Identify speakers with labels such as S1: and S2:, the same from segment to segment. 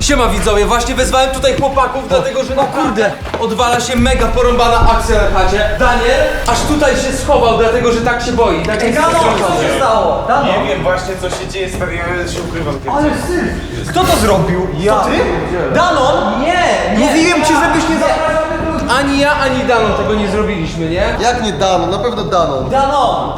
S1: Siema widzowie, właśnie wezwałem tutaj chłopaków, dlatego że kurde, odwala się mega porąbana akcja na chacie. Daniel aż tutaj się schował, dlatego że tak się boi. Tak jest
S2: Dano, co się stało? Dano.
S3: Nie wiem właśnie co się dzieje, stary, ja się ukrywam.
S2: Ale syf! Kto to zrobił? Ja. To ty? Danon? Nie! Mówiłem ci, żebyś nie zapraszał tych ludzi.
S1: Ani ja, ani Danon tego nie zrobiliśmy, nie?
S4: Jak nie Danon? Na pewno Danon.
S2: Danon!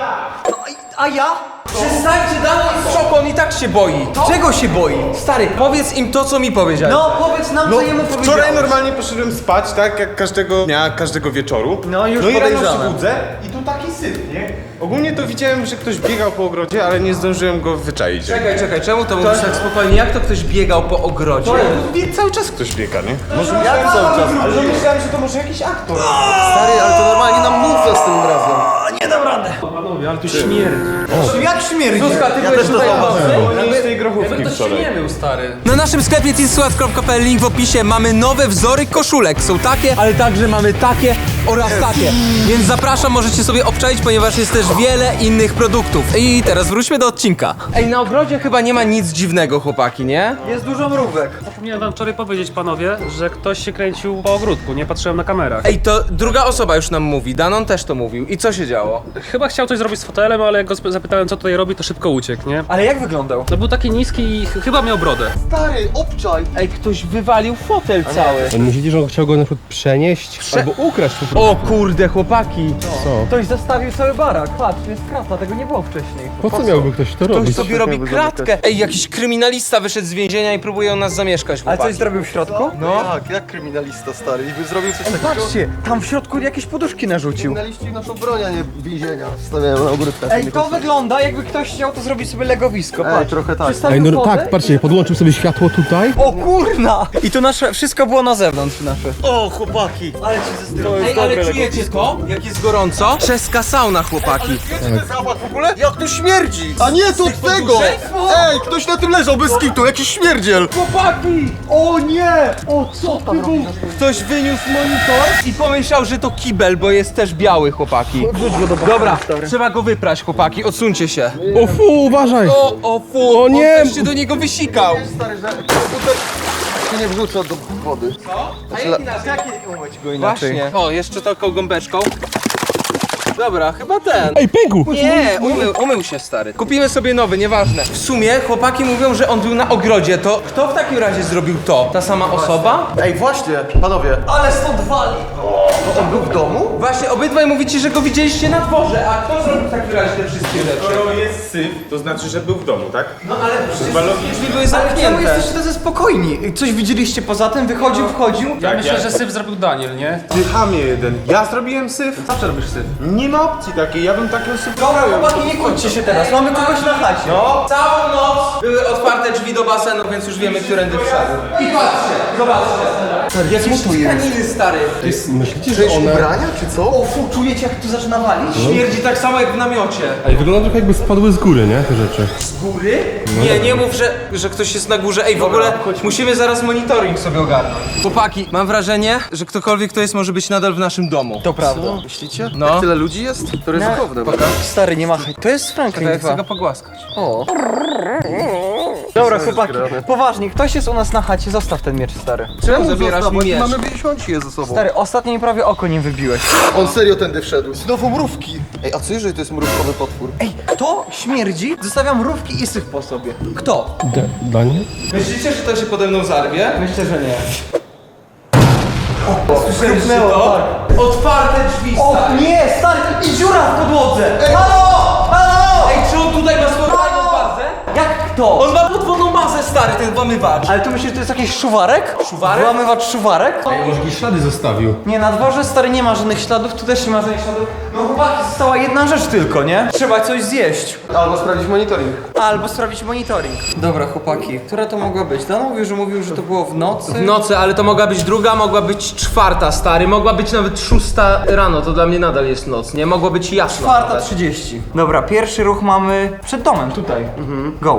S2: A ja?
S1: Przestańcie, Danon jest w szoku, on i tak się boi.
S2: Czego się boi?
S1: Stary, powiedz im to, co mi powiedziałeś.
S2: No powiedz nam, co jemu powiedziałeś.
S3: Wczoraj normalnie poszedłem spać, tak jak każdego dnia, każdego wieczoru.
S2: No, już
S3: i rano
S2: podejrzane.
S3: się budzę i tu taki syf, nie? Ogólnie to widziałem, że ktoś biegał po ogrodzie, ale nie zdążyłem go wyczaić.
S1: Czekaj, czemu to mówisz tak spokojnie? Jak to ktoś biegał po ogrodzie?
S3: Cały czas ktoś biega, nie? Może myślałem cały czas, ale myślałem, że to może jakiś aktor.
S4: Stary, ale to normalnie nam mówia z tym razem.
S2: Nie dam radę.
S5: Panowie, ale tu śmierdzi.
S2: Jak śmierdzi?
S1: Zuzka, ty byłeś
S4: też to
S1: tutaj
S4: zauważyłem.
S3: Nie z tej grochówki wczoraj.
S1: stary. Na naszym sklepie teenswat.pl, link w opisie, mamy nowe wzory koszulek. Są takie, ale także mamy takie oraz takie. Więc zapraszam, możecie sobie obczaić, ponieważ jest też wiele innych produktów. I teraz wróćmy do odcinka. Ej, na ogrodzie chyba nie ma nic dziwnego, chłopaki, nie?
S2: Jest dużo mrówek.
S5: Zapomniałem wam wczoraj powiedzieć, panowie, że ktoś się kręcił po ogródku, nie patrzyłem na kamerach.
S1: Ej, to druga osoba już nam mówi, Danon też to mówił. I co się działo?
S5: Chyba chciał coś zrobić z fotelem, ale jak go zapytałem, co tutaj robi, to szybko uciekł, nie?
S2: Ale jak wyglądał?
S5: No był taki niski i chyba miał brodę.
S4: Stary, obczaj.
S1: Ej, ktoś wywalił fotel cały.
S6: On myśli, że on chciał go na przykład przenieść albo ukraść po prostu.
S1: O kurde, chłopaki.
S2: Ktoś zastawił cały barak. Patrz, jest krata, tego nie było wcześniej.
S6: Po co miałby ktoś to
S1: Ktoś
S6: robić?
S1: sobie robi kratkę. Ej, jakiś kryminalista wyszedł z więzienia i próbuje u nas zamieszkać,
S2: Ale
S1: chłopaki.
S2: coś zrobił w środku?
S1: No.
S4: Tak, jak kryminalista stary. I by zrobił coś takiego.
S2: Patrzcie, tam w środku jakieś poduszki narzucił.
S4: Kryminaliści naszą broń, a nie więzienia. Stawiają na ogródkach.
S2: Ej, to wygląda jakby ktoś chciał to zrobić sobie legowisko, patrz.
S4: trochę tak.
S2: Przystawił
S6: Ej, no
S2: wodę
S6: tak, patrzcie, podłączył sobie światło tutaj.
S2: O kurna! I to nasze, wszystko było na zewnątrz nasze.
S4: O, chłopaki.
S2: Ale ci zestrzyło.
S1: Ej, ale czujecie to? Jak jest gorąco? Czeska sauna, chłopaki.
S4: Wiecie ten zapach w ogóle? Jak to śmierdzi? A nie, to od tego! Ej, ktoś na tym leżał bez kitu, jakiś śmierdziel.
S1: Chłopaki!
S2: O nie! O co tam robi?
S1: Ktoś wyniósł monitor i pomyślał, że to kibel, bo jest też biały, chłopaki. Dobra, trzeba go wyprać, chłopaki, odsuńcie się.
S6: O fu, uważaj!
S1: O fu,
S6: O nie!
S1: on też się do niego wysikał.
S4: Stary, że komputer się nie wrzuca do wody.
S1: A jak
S2: Umyć go inaczej.
S1: Właśnie. O, jeszcze taką gąbeczką. Dobra, chyba ten.
S6: Ej, pękł!
S1: Nie, umył się, stary. Kupimy sobie nowy, nieważne. W sumie chłopaki mówią, że on był na ogrodzie, to kto w takim razie zrobił to? Ta sama osoba?
S4: Ej, właśnie, panowie.
S2: Ale stąd wali!
S4: To on był w domu?
S1: Właśnie, obydwaj mówicie, że go widzieliście na dworze, a kto zrobił w takim razie te wszystkie rzeczy?
S3: Skoro jest syf, to znaczy, że był w domu, tak?
S1: No ale przecież
S3: logicznie.
S1: drzwi były
S2: Ale czemu
S1: zamknięte.
S2: jesteście tacy spokojni? Coś widzieliście poza tym? Wychodził, wchodził?
S5: Ja myślę, że syf zrobił Daniel, nie?
S3: Ty chamie jeden. Ja zrobiłem syf?
S5: Zawsze robisz syf.
S3: Nie ma opcji takiej, ja bym takiego syf
S2: Dobra, chłopaki, nie kłóćcie się teraz, mamy kogoś na chacie.
S1: No, całą noc były otwarte drzwi do basenu, więc już wiemy, którędy wszedł. I patrzcie, zobaczcie. Jakieś tkaniny, stary.
S6: Myślicie, że
S4: Czyjeś
S6: one...
S4: ubrania, czy co?
S2: O fu, czujecie jak tu zaczyna walić?
S1: Śmierdzi tak samo jak w namiocie.
S6: Ej, wygląda trochę jakby spadły z góry, nie? Te rzeczy.
S1: Góry? Nie, nie mów, że ktoś jest na górze. Ej, w ogóle musimy zaraz monitoring sobie ogarnąć. Chłopaki, mam wrażenie, że ktokolwiek to jest może być nadal w naszym domu.
S2: To prawda.
S4: Myślicie?
S1: No.
S4: Jak tyle ludzi jest? To ryzykowne.
S2: Stary, nie machaj. To jest Franklin
S1: Ja chcę
S2: 2.
S1: go pogłaskać.
S4: O,
S2: Dobra, chłopaki, poważnie, ktoś jest u nas na chacie, zostaw ten miecz, stary.
S1: Czemu zabierasz mi miecz?
S4: Mamy miesiąc je ze sobą.
S2: Stary, ostatnio mi prawie oko nim wybiłeś.
S4: On serio tędy wszedł. Znowu mrówki. Ej, a co jeżeli to jest mrówkowy potwór?
S2: Ej, kto śmierdzi? Zostawiam mrówki i syf po sobie. Kto?
S6: Daniel?
S1: Myślicie, że to się pode mną zarwie?
S2: Myślę, że nie.
S1: Słyszeliście to? Otwarte drzwi,
S2: O
S1: stary.
S2: nie, stary, i dziura w podłodze! Halo! Halo!
S1: Ej, czy on tutaj ma swoją fajną bazę?
S2: Jak kto?
S1: On ma podwójną bazę, stary, ten włamywacz.
S2: Ale tu myślisz, że to jest jakiś szuwarek?
S1: Szuwarek?
S2: Włamywacz szuwarek?
S6: Może jakieś ślady zostawił.
S2: Nie, na dworze stary nie ma żadnych śladów, tu też nie ma żadnych śladów. No chłopaki, została jedna rzecz tylko, nie? Trzeba coś zjeść.
S4: Albo sprawdzić monitoring.
S2: Albo sprawdzić monitoring. Dobra, chłopaki, która to mogła być? Dan mówił, że to było w nocy.
S1: W nocy, ale to mogła być druga, mogła być czwarta, stary. Mogła być nawet 6 rano, to dla mnie nadal jest noc, nie? Mogło być jasno.
S2: 4:30. Dobra, pierwszy ruch mamy przed domem, tutaj. Go.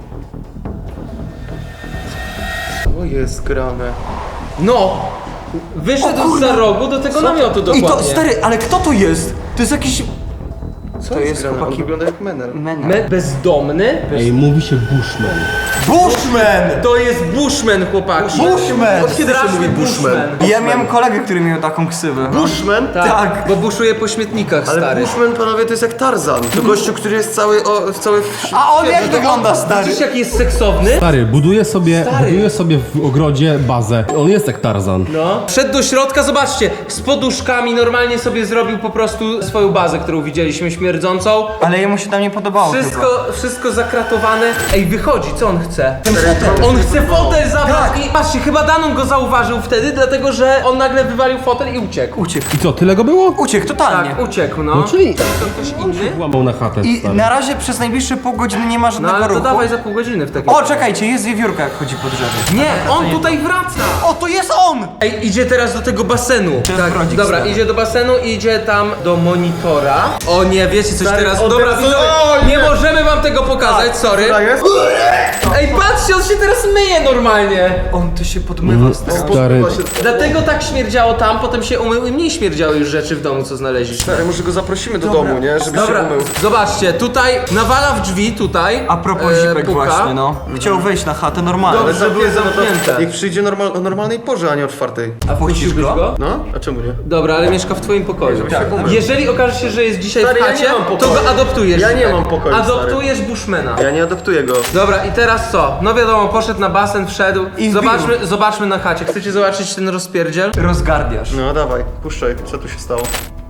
S4: O, jest grane.
S1: No! Wyszedł za rogu do tego namiotu
S2: I
S1: dokładnie.
S2: to, stary, ale kto to jest? To jest jakiś...
S4: Co
S2: To jest
S4: grane? On
S2: chłopaki
S4: wygląda jak menel.
S2: menel.
S1: Bezdomny?
S6: Ej, mówi się Bushman.
S2: Bushman! Bushman!
S1: To jest Bushman, chłopaki.
S2: Bushman!
S4: Od kiedy się mówi Bushman?
S2: Ja miałem kolegę, który miał taką ksywę.
S4: Bushman?
S1: Tak, bo buszuje po śmietnikach,
S4: Ale
S1: stary.
S4: Bushman, panowie, to jest jak Tarzan. To gościu, który jest cały
S2: A on jak wygląda, stary?
S1: Widzisz, jak jest seksowny?
S6: Stary, buduje sobie w ogrodzie bazę. On jest jak Tarzan.
S1: No. Wszedł do środka, zobaczcie, z poduszkami normalnie sobie zrobił po prostu swoją bazę, którą widzieliśmy, śmierdzącą.
S2: Ale jemu się tam nie podobało chyba.
S1: Wszystko zakratowane. Ej, wychodzi, co on chce? On chce fotel zabrać i patrzcie, chyba Danon go zauważył wtedy, dlatego że on nagle wywalił fotel i uciekł.
S6: I co, tyle go było?
S2: Uciekł totalnie.
S1: Tak, uciekł, no.
S6: No czyli
S1: To ktoś inny?
S6: włamał na chatę,
S2: I
S6: stary.
S2: na razie przez najbliższe pół godziny nie ma
S1: No
S2: żadnego
S1: ale to
S2: ruchu.
S1: dawaj za pół godziny w takim
S2: O, czekajcie, jest wiewiórka jak chodzi po drzewie.
S1: Nie, on tutaj wraca!
S2: O, to jest on!
S1: Ej, idzie teraz do tego basenu.
S2: jest brodzik,
S1: dobra,
S2: stary.
S1: idzie do basenu i idzie tam do monitora. O nie, wiecie coś teraz.
S4: on
S1: Dobra,
S4: teraz-
S1: widzowie,
S4: o,
S1: nie możemy wam tego pokazać, sorry.
S4: jest?
S1: Ej, patrzcie, on się teraz myje normalnie.
S2: On to się podmywa, stary.
S6: Stary,
S1: Dlatego tak śmierdziało tam, potem się umył i mniej śmierdziały już rzeczy w domu, co znaleźliśmy.
S4: Stary, może go zaprosimy do domu, nie? Żeby
S1: Dobra,
S4: się umył.
S1: zobaczcie, tutaj nawala w drzwi, tutaj.
S2: A propos zipek
S1: puka.
S2: właśnie, no. Chciał wejść na chatę normalnie.
S1: Dobrze, że były
S4: Zamknięte, no to
S1: zamknięte.
S4: niech przyjdzie o normalnej porze, a nie o 4.
S1: A wpuściłbyś go?
S4: No? A czemu nie?
S1: Dobra, ale mieszka w twoim pokoju.
S4: się umył.
S1: Jeżeli okaże się, że jest dzisiaj
S4: Stary,
S1: w
S4: ja
S1: chacie,
S4: nie mam
S1: to
S4: pokoju.
S1: go adoptujesz.
S4: Ja nie
S1: tak?
S4: mam pokoju,
S1: Adoptujesz Bushmana.
S4: Ja nie adoptuję go.
S1: Dobra, i teraz co? No wiadomo, poszedł na basen, wszedł.
S2: I wbił.
S1: Zobaczmy na chacie. Chcecie zobaczyć ten rozpierdziel?
S2: Rozgardiasz.
S4: No dawaj, puszczaj, co tu się stało?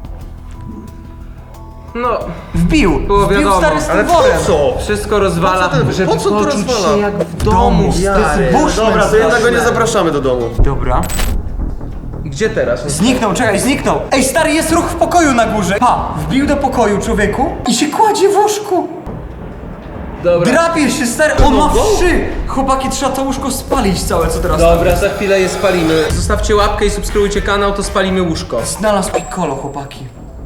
S1: No,
S2: Wbił!
S1: Było
S2: Wbił
S1: wiadomo.
S2: stary z
S4: Ale
S2: tym
S4: po
S2: worem.
S4: co?
S1: wszystko rozwala,
S4: Po co ten-
S1: żeby
S4: po co to
S1: poczuć
S4: rozwala?
S1: się jak w domu, stary.
S2: Bushman,
S4: Dobra, to jednak go nie
S2: straszne.
S4: zapraszamy do domu.
S2: Dobra.
S1: Gdzie teraz?
S2: Zniknął, czekaj, zniknął. Ej, stary, jest ruch w pokoju na górze. Pa, wbił do pokoju człowieku i się kładzie w łóżku.
S1: Dobra.
S2: Drapie się, stary, on ma wszy. Chłopaki, trzeba to łóżko spalić całe, co teraz.
S1: Dobra, za chwilę je spalimy. Zostawcie łapkę i subskrybujcie kanał, to spalimy łóżko.
S2: Znalazł piccolo, chłopaki.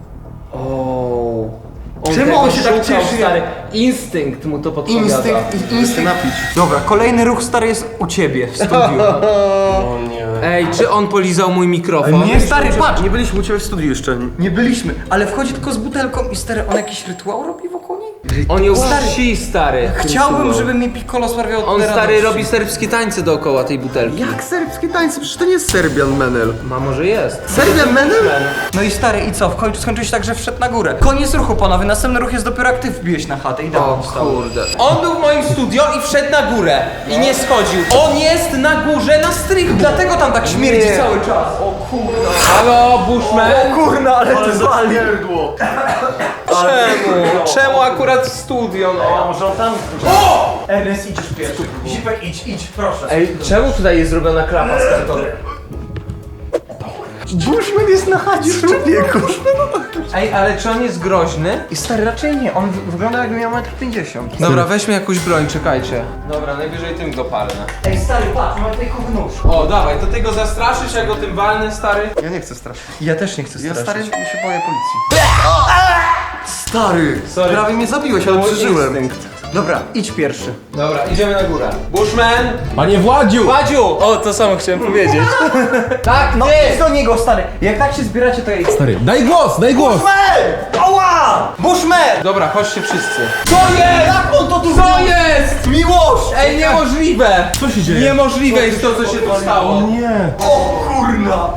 S1: Czemu
S2: on się tak cieszy?
S1: Stary? Instynkt mu to podpowiada.
S2: Instynkt. Dobra, kolejny ruch, stary, jest u ciebie w studiu.
S1: Ej, czy on polizał mój mikrofon?
S2: Nie, stary, patrz.
S4: Nie byliśmy u ciebie w studiu jeszcze.
S2: Nie byliśmy, ale wchodzi tylko z butelką i stary, on jakiś rytuał robi wokół niej?
S1: On ją wsi, stary.
S2: Chciałbym, żeby mi piccolo sprawiał
S1: On,
S2: tyle
S1: stary,
S2: radości.
S1: robi serbskie tańce dookoła tej butelki.
S4: Jak serbskie tańce? Przecież to nie jest Serbian Menel.
S1: Ma może jest.
S4: Serbian Menel?
S2: No i stary, i co? W końcu skończyło się tak, że wszedł na górę. Koniec ruchu, panowie. Następny ruch jest dopiero jak ty wbiłeś na chatę i
S1: O
S2: dałem wstał.
S1: kurde. On był w moim studio i wszedł na górę. I nie schodził. On jest na górze na strychu.
S2: Dlatego tam tak śmierdzi cały czas. O kurna.
S1: Halo, Bushman?
S2: Kurna, ale ty zwali.
S1: Czemu? Czemu akurat studio, no?
S4: Może on tam...
S2: Ernest, idziesz pierwszy. Zipek, idź, proszę.
S1: Ej, czemu tutaj jest zrobiona klapa z kartonu?
S2: Bushman jest na chacie, człowieku.
S1: Ej, ale czy on jest groźny?
S2: I stary, raczej nie. On wygląda jakby miał 1,50 m.
S1: Dobra, weźmy jakąś broń, czekajcie. Dobra, najwyżej tym go palnę.
S2: Ej, stary, patrz, mamy tutaj nóż.
S1: O, dawaj, to ty go zastraszysz, ja go tym walnę, stary?
S4: Ja nie chcę straszyć.
S2: Ja też nie chcę
S4: Ja
S2: straszyć.
S4: stary się boję policji. Stary!
S1: Sorry.
S4: Prawie mnie zabiłeś, ale przeżyłem.
S2: Dobra, idź pierwszy.
S1: Dobra, idziemy na górę. Bushman!
S6: Panie Władziu!
S1: Władziu! O, to samo chciałem powiedzieć. Tak,
S2: No,
S1: ty!
S2: idź do niego, stary. Jak tak się zbieracie, to idź.
S6: Stary, daj głos, daj głos!
S2: Ała! Bushman!
S1: Dobra, chodźcie wszyscy.
S2: Co jest? Jak on to tu
S1: Co jest?
S2: Miłość!
S1: Ej, niemożliwe!
S6: Co się dzieje?
S1: Niemożliwe jest to, co się tu stało.
S6: Nie!
S2: O kurna!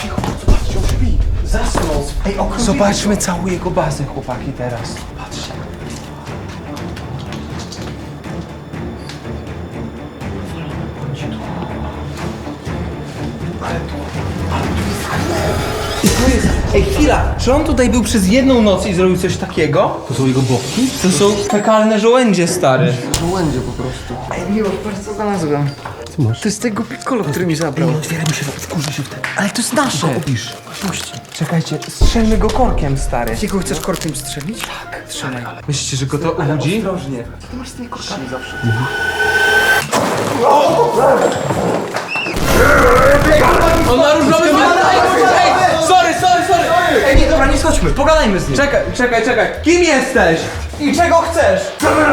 S2: Zasnął. Ej, okrutnie.
S1: Zobaczmy całą jego bazę, chłopaki, teraz. Patrzcie. I to jest... Ej, chwila! Czy on tutaj był przez jedną noc i zrobił coś takiego?
S6: To są jego bobki?
S1: To są fekalne żołędzie, stary.
S4: Żołędzie po prostu.
S2: Ej, miłość, patrz co znalazłem.
S6: Co masz?
S2: To jest tego piccolo, który mi zabrał.
S1: Otwieramy się, wkurzy się wtedy.
S2: Ale to jest nasze.
S1: Opisz. Czekajcie, strzelmy go korkiem, stary.
S2: Jakiego chcesz korkiem strzelić? Tak. Strzelaj.
S1: Myślicie, że go to obudzi?
S2: Ostrożnie.
S1: On ma różowy Ej, sorry!
S2: Ej, nie, dobra, nie schodźmy. Pogadajmy z nim.
S1: Czekaj. Kim jesteś?
S2: I czego chcesz?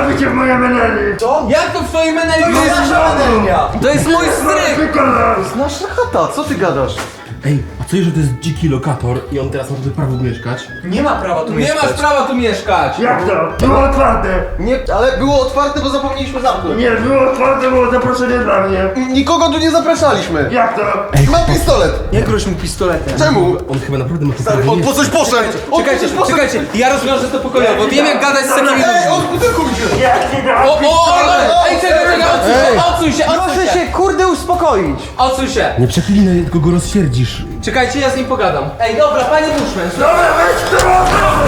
S1: Jak to w twojej meneli
S2: To jest nasza menelnia.
S1: To jest mój stryk!
S4: Nasza chata, co ty gadasz?
S6: Ej, a Co jeżeli to jest dziki lokator i on teraz ma tutaj prawo mieszkać?
S2: Nie ma prawa tu
S1: Nie
S2: mieszkać.
S1: masz prawa tu mieszkać!
S7: Jak to? Było otwarte!
S4: Nie, ale było otwarte, bo zapomnieliśmy zamknąć.
S7: Nie, było otwarte, było zaproszenie dla mnie.
S4: Nikogo tu nie zapraszaliśmy.
S7: Jak to?
S4: Mam pistolet.
S2: Nie groź mu pistoletem.
S4: Czemu?
S6: On chyba naprawdę ma tu prawo
S4: On po
S6: mieszkać.
S4: coś poszedł. On
S1: Czekajcie,
S4: po coś poszedł.
S1: czekajcie, ja rozwiążę to pokojowo. Wiem jak gadać z takimi
S4: Ej,
S1: ludźmi.
S4: odbuduj się.
S7: Jak nie da?
S1: Ej, czekaj, odsuń się,
S2: Proszę się, kurde, uspokoić.
S1: odsuń się.
S6: Nie przeklinaj, tylko go rozsierdzisz.
S1: Czekajcie, ja z nim pogadam. Ej, dobra, panie Bushman,
S7: Dobra, weź to!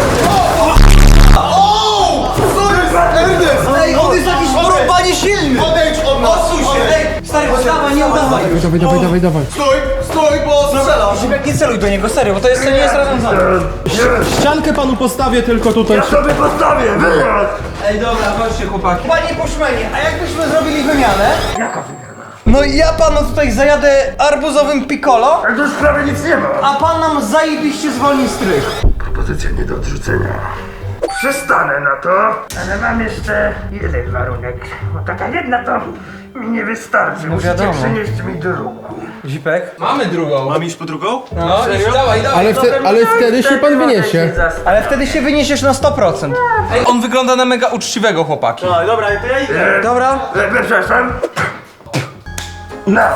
S4: Ernest!
S2: Ej, on jest jakiś porąbanie silny.
S4: Odejdź od nas.
S2: Odsuń się. Ej, stary, udawaj, nie udawaj.
S6: Dawaj.
S4: Stój, bo strzelam.
S2: Zipek, nie celuj do niego, serio, bo to nie jest rozwiązane.
S6: Ściankę panu postawię tylko tutaj.
S7: Ja sobie postawię, wyjazd!
S1: Ej, dobra, chodźcie chłopaki.
S2: Panie Bushmanie, a jakbyśmy zrobili wymianę?
S7: Jaka wymiana?
S2: No i ja panu tutaj zajadę arbuzowym piccolo,
S7: A tu w sprawie nic nie ma.
S2: a pan nam zajebiście zwolni strych.
S7: Propozycja nie do odrzucenia. Przestanę na to, ale mam jeszcze jeden warunek. Bo taka jedna to mi nie wystarczy. Musicie
S2: wiadomo.
S7: przynieść mi drugą.
S2: Zipek?
S1: Mamy drugą.
S3: Mam iść po drugą?
S1: No, już dawaj.
S6: Ale wtedy się pan wyniesie.
S2: Ale wtedy się wyniesiesz na 100%.
S1: Ej, on wygląda na mega uczciwego chłopaki.
S3: No dobra, to ja idę.
S2: Dobra?
S7: Przepraszam. Na.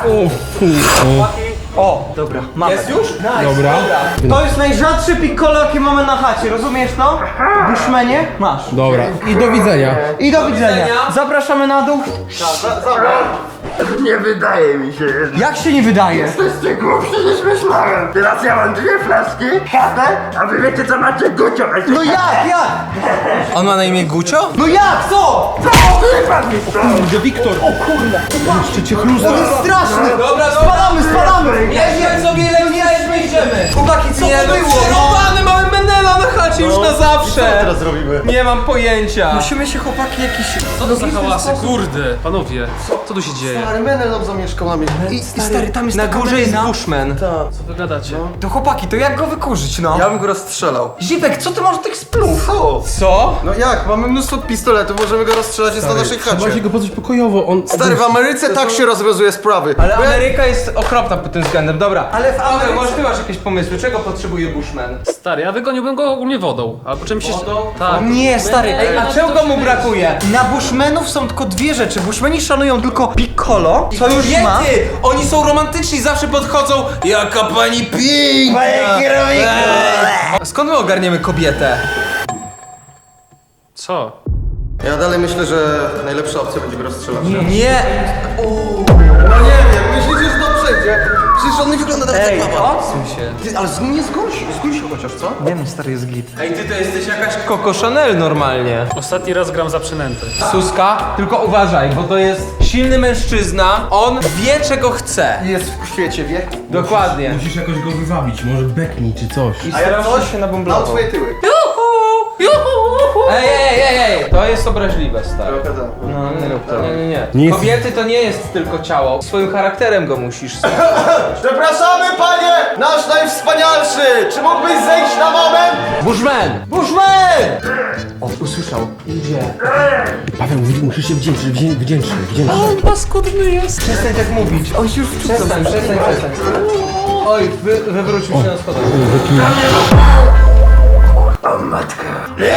S2: O, dobra, mamy.
S1: Jest już?
S6: Dobra.
S2: To jest najrzadszy piccolo, jaki mamy na chacie, rozumiesz to? Bushmanie? Masz.
S6: Dobra. I do widzenia.
S2: I do widzenia. Zapraszamy na dół.
S7: Nie wydaje mi się jednak.
S2: Jak się nie wydaje?
S7: Jesteście głupsi niż myślałem. Teraz ja mam 2 flaszki, chatę, a wy wiecie co macie gucio.
S2: No jak?
S1: On ma na imię Gucio?
S2: No jak? Co?
S7: Wypadł mi stąd.
S2: On jest straszny.
S1: Dobra,
S2: Spadamy.
S1: Jeźdźmy sobie, lepiej idziemy.
S2: Chłopaki, co
S1: Nie,
S2: to
S1: no
S2: było?
S1: przerobany, mamy Menela na chacie już na zawsze. Co
S4: teraz zrobimy?
S1: Nie mam pojęcia.
S2: Musimy się chłopaki jakiś...
S5: Co to za hałasy, kurde. Panowie, co tu się dzieje?
S4: Ale Menel nam zamieszkał na mnie.
S2: I stary, tam jest
S1: Na
S2: taka
S1: górze jest
S2: melina.
S1: Bushman.
S5: Co wy gadacie?
S2: To chłopaki, to jak go wykurzyć, no?
S4: Ja bym go rozstrzelał.
S2: Zipek, co ty masz tych splów?
S4: Co?
S1: Co?
S4: No jak? Mamy mnóstwo pistoletów, możemy go rozstrzelać, jest na naszej
S6: Trzeba się
S4: chacie.
S6: go pozbyć pokojowo. On...
S4: Stary, w Ameryce tak się rozwiązuje sprawy.
S1: Ale
S4: Bo ja-
S1: Ameryka jest okropna pod tym względem, dobra.
S2: Ale w
S1: Dobra,
S2: Ameryce-
S1: może ty masz jakieś pomysły, czego potrzebuje Bushman?
S5: Stary, ja wygoniłbym go ogólnie wodą. Albo czymś jeszcze... Tak.
S2: Nie, stary.
S1: Ej, a czego mu brakuje?
S2: Na Bushmanów są tylko dwie rzeczy. Bushmani szanują tylko piccolo, co już ma.
S1: Kobiety! Oni są romantyczni, zawsze podchodzą. Jaka pani piękna! Skąd my ogarniemy kobietę?
S5: Co?
S4: Ja dalej myślę, że najlepsza opcja będzie go rozstrzelać.
S1: Nie!
S4: No nie wiem, myślicie, że to przejdzie? Przecież on nie wygląda nawet
S2: Ej,
S4: jak baba.
S1: Odsuń się.
S4: Ty, ale nie zgój się chociaż, co?
S2: Nie no, stary jest git.
S1: Ej, ty to jesteś jakaś Coco Chanel normalnie.
S5: Ostatni raz gram za przynęty.
S1: Suska, tylko uważaj, bo to jest silny mężczyzna. On wie, czego chce.
S4: Jest w świecie wieku.
S1: Dokładnie.
S6: Musisz jakoś go wywabić, może beknij czy coś.
S4: A ja coś
S1: się
S4: na
S1: nabąblował.
S4: twoje tyły.
S1: Ej, to jest obraźliwe, stary.
S4: Trochę tak.
S1: No, nie rób to. Nie.
S6: Nie jest-
S1: Kobiety to nie jest tylko ciało. Swoim charakterem go musisz.
S4: Przepraszamy, panie! Nasz najwspanialszy! Czy mógłbyś zejść na moment?
S1: Bushman!
S4: Bushman!
S1: O, usłyszał. Idzie.
S6: Paweł, musisz się wdzięczyć.
S1: Przestań tak mówić. Oj, już przestań. Oj, wywrócił się na schodach.
S7: O matka.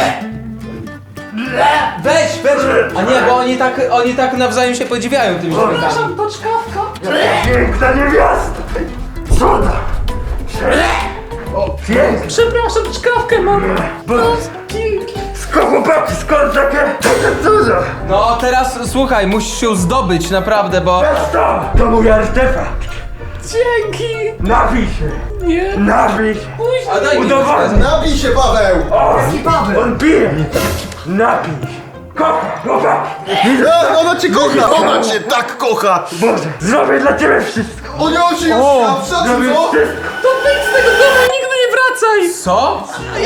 S1: Weź! A nie, bo oni tak nawzajem się podziwiają tymi śmiechami.
S7: Piękna niewiasta. Cuda. O, piękna.
S5: Przepraszam, czkawkę mam.
S7: Skąd chłopaki, skąd takie cuda?
S1: No teraz słuchaj, musisz się zdobyć naprawdę, bo...
S7: To mój artefakt. Dzięki. Napij się. Nie. Napij się.
S1: A daj mi
S7: Udowodnij.
S4: Napij się, Paweł!
S7: On pije. Napij się. Kocha, chłopaki.
S4: Ona cię kocha! Ona cię tak kocha!
S7: Boże, zrobię dla ciebie wszystko.
S4: O nie, on się już szacuj,
S7: Zrobię
S4: co?
S7: wszystko.
S1: Co?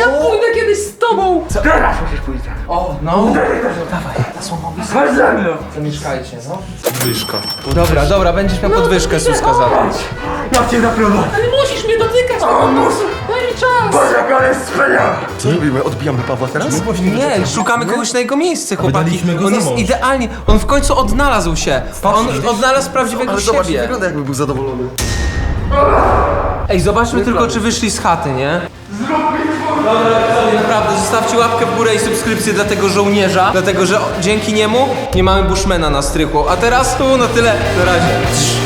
S7: Teraz musisz pójść.
S1: O, no.
S7: Chodź ze mną.
S1: Zamieszkajcie, no. Podwyżka. Dobra, będziesz miał podwyżkę, Suska, za to.
S7: Ja cię zaprowadzę. Ale musisz mnie dotykać. O, muszę. Daj mi czas. Boże, jak on jest wspaniały.
S4: Co robimy? Odbijamy Pawła teraz?
S1: Nie, szukamy kogoś na jego miejsce, chłopaki.
S6: Wydaliśmy go
S1: On
S6: za
S1: jest
S6: mąż.
S1: idealnie, on w końcu odnalazł się. On odnalazł prawdziwego
S4: Ale zobacz, nie
S1: siebie.
S4: wygląda jakby był zadowolony.
S1: Ej, zobaczmy tylko, czy wyszli z chaty, nie? Dobra, widzowie, naprawdę, zostawcie łapkę w górę i subskrypcję dla tego żołnierza, dlatego że dzięki niemu nie mamy Bushmana na strychu. A teraz to na tyle, na razie.